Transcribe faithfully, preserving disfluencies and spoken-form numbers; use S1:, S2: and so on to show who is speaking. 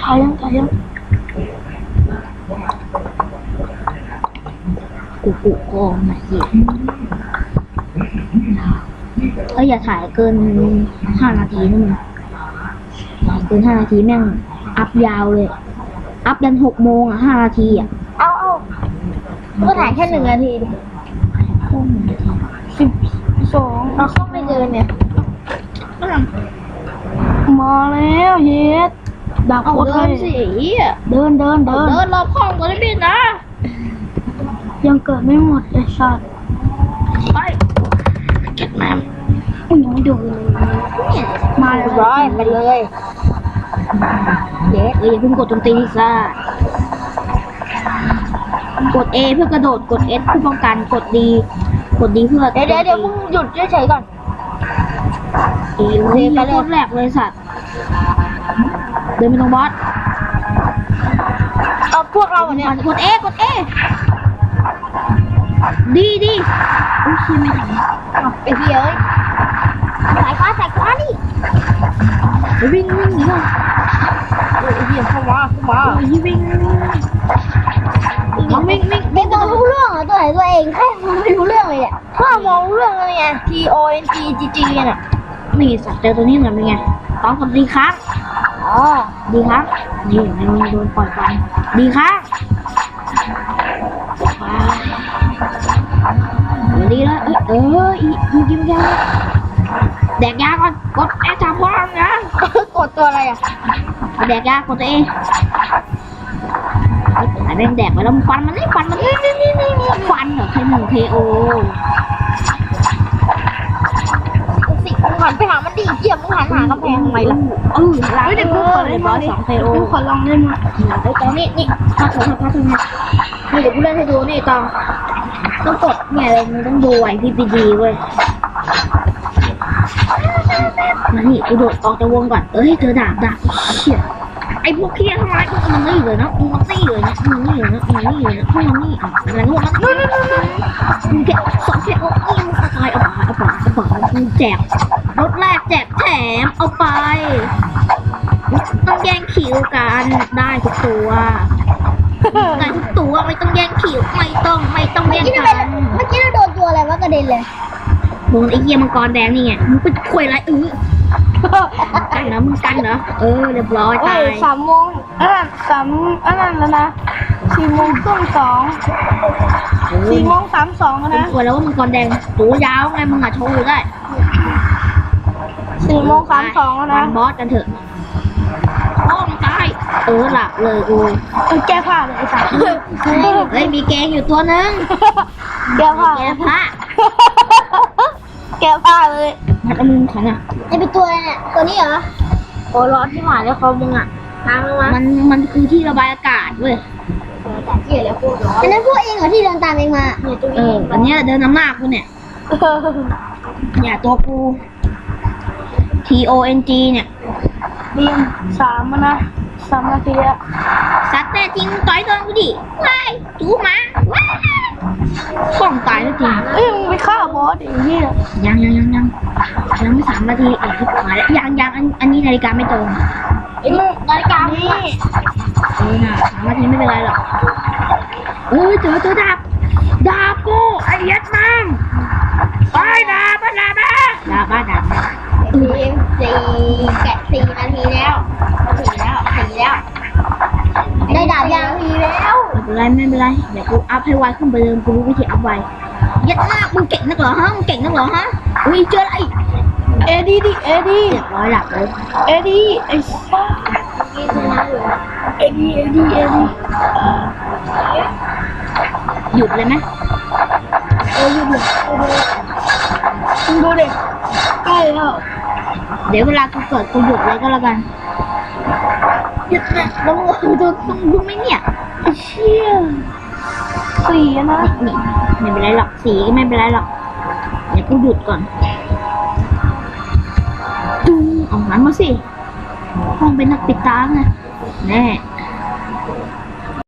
S1: ถ่ายยังถ่ายยังกูกูกองไหนเหี้ยเอ้ยอย่าถ่ายเกินห้านาทีนะมึงถ่ายเกินห้านาทีแม่งอัพยาวเลยอัพยันหกโมงอ่ะห้านาทีอ่ะ
S2: เอาเอาก็ถ่ายแค่หนึ่งนาทีดิสิบสองเราเข้าไม่เดินเนี่ย
S1: มาแล้วเฮ็ดดักโคตรเลยเดินเดินเดิน
S2: เดินรอบห้องก่อนได้ไหมนะ
S1: ยังเกิดไม่หมดไอ้สัตว์
S2: ไปเก็บน้
S1: ำอุ้ยยังไม่ดูเลยมาแล้ว
S2: ร้อยไปเลย
S1: เด็กเอ้ยอย่าเพิ่งกดโจมตีซ่ากด A เพื่อกระโดดกด S เพื่อป้องกันกด D กด D เพื่อ
S2: เดี๋ยวเดี๋ยวเดี๋ยวมึงหยุดเฉยๆก่อน
S1: เอ้ยไปเลยแรกเลยสัตว์เดินไปตรงบอส
S2: เอาพวกเราเนี่ย
S1: กด A กด A ดีดีอุ้ยชิไม่ทัน
S2: ไอ้เหี้ยเอ้ยสายฟ้าสายฟ้าดิ
S1: วิ่งวิ่งหนีก่อน
S2: ไอ้เหี้ยเข้ามาเข้ามา
S1: ไอ้วิ่งวิ่งวิ่งวิ่ง
S2: ไม่มองรู้เรื่องเหรอตัวไหนตัวเองแค่ไม่รู้เรื่องเลยเนี่ยถ้ามองรู้เรื่องอะไรไง T O N G G G น่ะ
S1: นี่สัตว์เจอตัวนี้หน่อยเป็นไงต้องกดดีครับ
S2: อ๋อ
S1: ดีครับนี่มันโดนปล่อยไปดีครับดีแล้วเออเอออีกกินยาแดกยาก่อนกดแอร์จับพร้อมนะ
S2: กดตัวอะไรอ่ะ
S1: แดกยากดตัวเองไอ้แม่งแดกไปแล้วฟันมันนี่ฟันมันนี่นี่นี่นี่ฟันเหรอใครหนึ่งเคโอ
S2: สิมึงหันไปหามันดิเกี่ยมมึงหันหากำแพงทำไมล่ะ
S1: เออหลังเด็กกูขอเลยบอสสองเคโอ
S2: ขอลองเล่นมา
S1: ไอ้ตอนนี้นี่พาเถอะพาเถอะนี่เดี๋ยวกูเล่นให้ดูนี่ตองต้องกดเนี่ยเลยมึงต้องดูไว้พี่พีดีเว้ยมานี่กูโดดออกจากวงก่อนเอ้ยเจอดาบดาบเชี่ยไอ้พวกเคี้ยทำไมมึงนี่เลยนะมึงนี่เลยนะมึงนี่เลยนะมึงนี่เลยนะมึงนี่อ่ะอะไรพวกนั้นมึงแกสองแค่โอ้ยมึงเอาไปเอาไปเอาไปเอาไปมึงแจกรถแรกแจกแถมเอาไปต้องแย่งคิวกันได้ทุกตัวได้ทุกตัวไม่ต้องแย่งคิวไม่ต้องไม่ต้องแย่งกัน
S2: เมื่อกี้เราโดนตัวอะไรวะกระเด็นเลย
S1: โดนไอ้เหี้ยมังกรแดงนี่ไงมึงเป็นข่วยไรเออกันเหรอมึงกันเหรอเออเรียบร้อยตาย
S2: สามโมงอันนั้นสามอันนั้นแล้วนะสี่โมงครึ่งสองสี่โมงสามสองนะ
S1: ข่วยแล้วว่ามังกรแดงตัวยาวไงมึงอ่ะโชว์ได้
S2: สี่โมงสามสองแล้วนะ
S1: บอสกันเถอะโอ้มึงตายเออหลับเลยกู
S2: แก้ผ้าเลยไอ้สัส
S1: เฮ้ยมีแกงอยู่ตัวนึง
S2: แก้ผ้า
S1: แกผ้า
S2: แก้ผ้าเลย
S1: มันเอามือขันอ่ะ
S2: ไอ้เป็นตัวอะไรเนี่ยตัวนี้เหรอโอ้ร้อนที่หวานแล้วเขามึงอ่ะทางมา
S1: มันมันคือที่ระบายอากาศเว้ย
S2: แต่ที่เหลือพวกร้อนอันนั้นพวกเองเหรอที่เดินตามเองมาเนี่ยตัว
S1: นี้อันนี้เดินนำหน้ากูเนี่ยเนี่ยตัวกู T O N G เนี่ย
S2: บินสามนะสามนาทีอะ
S1: สัตว์แต่จริงต่อยโดนกูดิว้ายจูมาว้ายฟ้องตายแล้วจริง
S2: เอ้ยมึงไปฆ่าบอสอย่างนี้
S1: ยังยังยังยังยังไม่สามนาทีเอกมาแล้วยังยังอันอันนี้นาฬิกาไม่ตรง
S2: ไอ้มึงนาฬิกานี่
S1: เออน่ะสามนาทีไม่เป็นไรหรอกเออเจอเจอดาบดาบกูไอ้ยัดมั่งไปดาบดาบดาบดาบ
S2: สี่สี่แกะสี่นาทีแล้วสี่แล้วสี่แล้วได้ดาบยางทีแล้ว
S1: ไม่เป็นไรไม่เป็นไรเดี๋ยวกูอัพให้ไวขึ้นไปเดิมกูรู้วิธีอัพไวยัดมากมึงเก่งนักเหรอฮะมึงเก่งนักเหรอฮะอุ้ยเจออะไร
S2: เอดีดิเอดี
S1: เรียบร้อยหลับเลย
S2: เอดีไอ้ซ่าเอดีเอดีเอดี
S1: หยุดเลยไหม
S2: เออหยุดเลยมึงดูเด็กใกล้แล้ว
S1: เดี๋ยวเวลากูเกิดกูหยุดเลยก็แล้วกันหยุดนะแล้วมึงดูต้องดูไหมเนี่ย
S2: เชี่ยสี่นะ
S1: นี่ไม่เป็นไรหรอกสีไม่เป็นไรหรอกเดี๋ยวกูหยุดก่อนจุ้งออกหันมาสิห้องเป็นนักปิดตาไงแน่